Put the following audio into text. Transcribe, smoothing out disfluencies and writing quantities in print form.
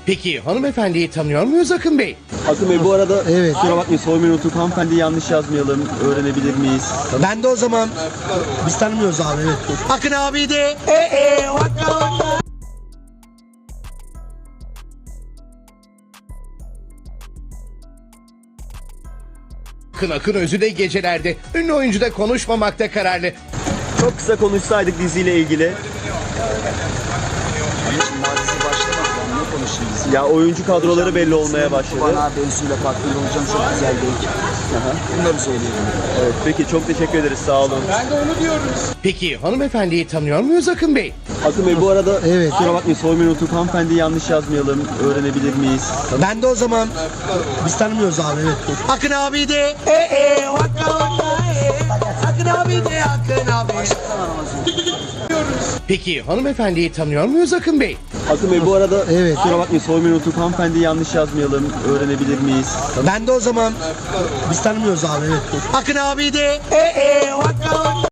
Peki hanımefendiyi tanıyor muyuz Akın Bey? Akın Bey bu arada Evet. kusura bakmayın soymayı unuttuk. Hanımefendi yanlış yazmayalım. Öğrenebilir miyiz? Ben de o zaman biz tanımıyoruz abi, evet. Akın abi de vaka vaka. Akın Özü'de gecelerde. Ünlü oyuncu da konuşmamakta kararlı. Çok kısa konuşsaydık diziyle ilgili. Mazisi başlamadı. Ben ne konuşayım biz? Ya oyuncu kadroları belli olmaya başladı. Bana Bensu'yla partner olacağım, çok güzel değil. Bunları söyleyelim. Evet, peki çok teşekkür ederiz, sağ olun. Peki hanımefendiyi tanıyor muyuz Akın Bey? Akın Bey bu arada Evet. kusura bakmayın soymayı unuttuk. Hanımefendi yanlış yazmayalım. Öğrenebilir miyiz? Ben de o zaman biz tanımıyoruz abi, evet. Akın abi de vaka vaka. Akın abi de Akın abi. Peki hanımefendiyi tanıyor muyuz Akın Bey? Akın Bey bu arada Evet. kusura bakmayın soymayı unuttuk. Hanımefendi yanlış yazmayalım. Öğrenebilir miyiz? Ben de o zaman biz tanımıyoruz abi, evet. Akın abi de vaka vaka.